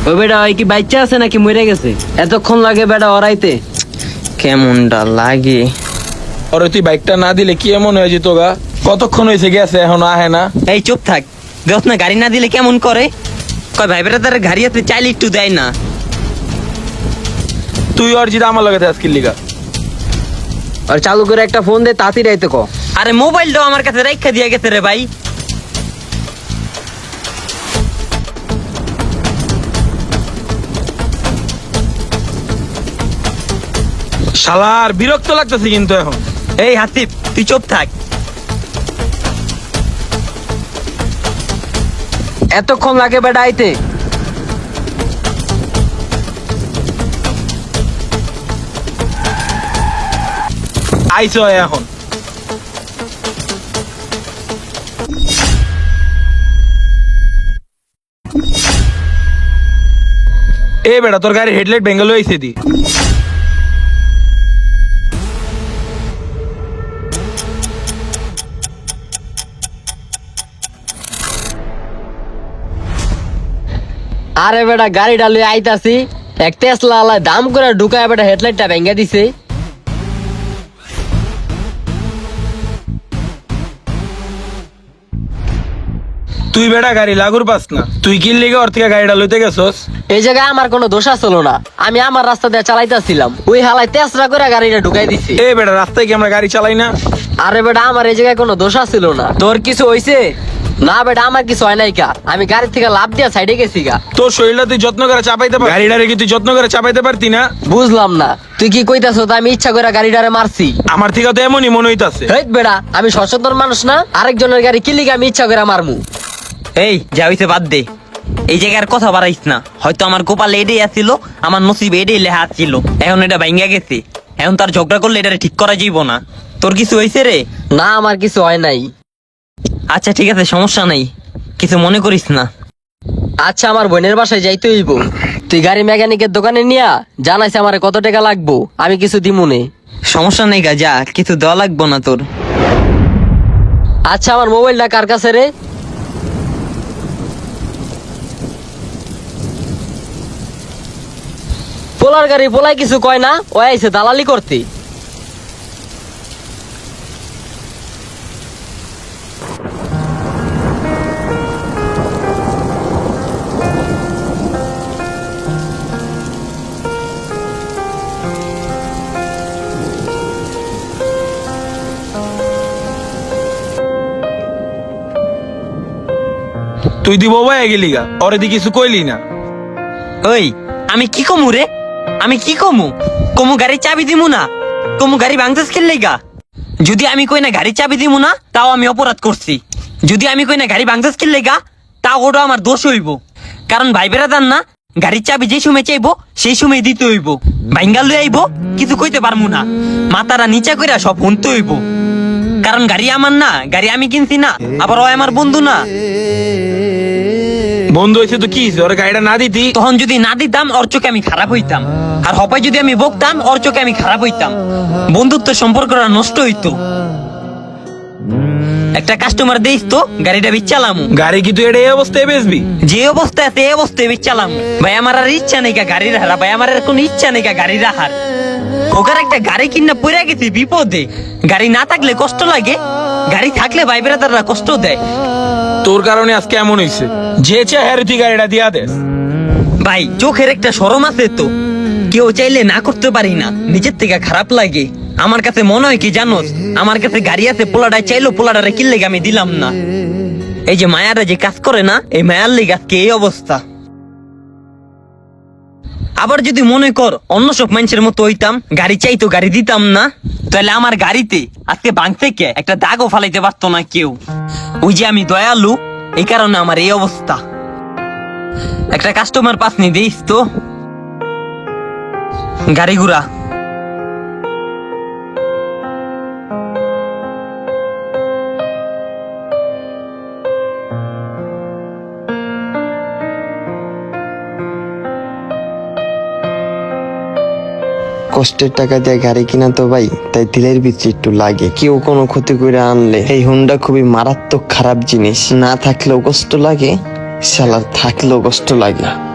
ওই বেটা ওই কি বাচ্চা আছে নাকি মরে গেছে? এতক্ষণ লাগে বেটা ওরাইতে? কেমনটা লাগে? ওরে তুই বাইকটা না দিলে কি এমন হয়ে যেত গা? কতক্ষণ হয়েছে গেছে এখনো আহে না? এই চুপ থাক, দেখ না গাড়ি না দিলে কেমন করে। কয় ভাই বেটা তার গাড়ি হাতে চাইলে একটু দেয় না। তুই আর জিদা আমার লাগাতে আজকের লিগা। আর চালু করে একটা ফোন দে, তাড়াতাড়ি আইতে ক। আরে মোবাইলটাও আমার কাছে রাইখা দিয়ে গেছে রে ভাই। শালার বিরক্ত লাগতেছে কিন্তু এখন। এই হাসিব তুই চুপ থাক। এতক্ষণ লাগে বেটা আইতে? আইসো এখন। এ বেটা তোর গাড়ির হেডলাইট ভেঙে লইছে দি। আরে বেটা গাড়িটা লই আইতাছি, এক টেসলা আলা দাম করে ঢুকায় বেটা হেডলাইটটা ভেঙে দিছে। তুই বেটা গাড়ি লাগুর পাস না, তুই কি লিগে ওর থেকে গাড়িটা লইতে গেছস? এই জায়গায় আমার কোনো দোষ ছিল না, আমি আমার রাস্তা দিয়ে চালাইতেছিলাম, ওই হালাই তেসরা করে গাড়িটা ঢুকাই দিছি। এ বেটা রাস্তায় কি আমরা গাড়ি চালাই না? আরে বেটা আমার এই জায়গায় কোনো দোষ ছিল না। তোর কিছু হইছে? না বেটা আমার কিছু হয় নাই কা, আমি গাড়ি থেকে লাফ দিয়া সাইডে গেছি গা। তোর শরীরটা তুই যত্ন করে চাপাইতে পার, গাড়িটারে কি তুই যত্ন করে চাপাইতে পারতি না? বুঝলাম না তুই কি কইতাছ? আমি ইচ্ছা করে গাড়িটারে মারছি? আমার থেকে তো এমনই মনে হইতাছে। হেট বেটা, আমি সচেতন মানুষ না, আরেকজনের গাড়ি কি লিগে আমি ইচ্ছা করে মারমু? এই যা হইছে বাদ দে, এই জায়গার কথা বাড়াইস না। হয়তো আমার কপালে এটাই আসছিল, আমার নসিবে এটাই লেখা ছিল, এখন এটা ভাঙ্গা গেছে। এখন তার ঝগড়া করলে এটা ঠিক করা যাইব না। তোর কিছু হয়েছে রে? না আমার কিছু হয় নাই। আচ্ছা ঠিক আছে, সমস্যা নাই, কিছু মনে করিস না। আচ্ছা আমার বোনের বাসায় যাইতে হইব, তুই গাড়ি মেকানিকের দোকানে নিয়া জানাইছে আমার কত টাকা লাগবো, আমি কিছু দিমুনে। সমস্যা নেই গা, যা, কিছু দেওয়া লাগবো না তোর। আচ্ছা আমার মোবাইলটা কার কাছে রে? পোলার গাড়ি পোলাই কিছু কয় না, ও আইছে দালালি করতে। তুই দিব ভাই গেলি গা, ওরে দি কিছু কইলি না। ওই আমি কি কমু রে? আমি কি কমু? কমু গাড়ি চাবি দিমু না? কমু গাড়ি ভাঙতেছ খেললে গা? যদি আমি কই না গাড়ি চাবি দিমু না, তাও আমি অপরাধ করছি। যদি আমি কই না গাড়ি ভাঙতেছ খেললে গা, তাও ওটা আমার দোষ হইব। কারণ ভাই বেড়াদার না, গাড়ির চাবি যে সময় চাইবো সেই সময় দিতে হইব। ভাঙ্গা লই আইব, কিছু কইতে পারমু না, মাথারা নিচা কইরা সব শুনতে হইব। কারণ গাড়ি আমার না, গাড়ি আমি কিনছি না, আবার ও আমার বন্ধু না। বন্ধু হয়েছে তো কি হইছে? ওরে গাড়িটা না দিতি? তখন যদি না দিতাম ওর চোখে আমি খারাপ হইতাম, আর হপায় যদি আমি বকতাম ওর চোখে আমি খারাপ হইতাম। বন্ধুত্ব সম্পর্কটা নষ্ট হইতো। একটা কাস্টমার দেইস তো গাড়িটা বিচ্চালাম। গাড়ি কি তুই এটা এই অবস্থায় বেচবি? যে অবস্থায় আছে এই অবস্থায় বিচ্চালাম। ভাই আমার আর ইচ্ছা নেই গাড়ি রাহার, ভাই আমার আর কোনো ইচ্ছা নেই গাড়ি রাহার। ওখানে একটা গাড়ি কিনা পড়ে গেছে বিপদে। গাড়ি না থাকলে কষ্ট লাগে, গাড়ি থাকলে ভাই বেড়াদাররা কষ্ট দেয়। তোর কারণে আজকে এমন হইছে, যে চেহারে তুই গাড়িটা দিয়া দেস। ভাই চোখের একটা শরম আছে তো, কেউ চাইলে না করতে পারি না, নিজের থেকে খারাপ লাগে। আমার কাছে মনে হয় কি জানোস, আমার কাছে গাড়ি আছে, পোলাডায় চাইলো পোলাডারে কিনলে আমি দিলাম না। এই যে মায়ারা যে কাজ করে না, এই মায়ার লেগে আজকে এই অবস্থা। আবার যদি মনে কর অন্য সব মানুষের মতো হইতাম, গাড়ি চাইতো গাড়ি দিতাম না, তাহলে আমার গাড়িতে আজকে ভাঙ থেকে একটা দাগও ফালাইতে পারতো না কেউ। ওই যে আমি দয়ালু, এই কারণে আমার এই অবস্থা। একটা কাস্টমার পাস নি দিস তো গাড়ি ঘুরা। কষ্টের টাকা দিয়ে গাড়ি কিনা তো ভাই, তাই দিলের ভিতরে একটু লাগে। কেউ কোনো ক্ষতি করে আনলে এই হুন্ডা খুবই মারাত্মক খারাপ জিনিস, না থাকলেও কষ্ট লাগে, শালার থাকলেও কষ্ট লাগে।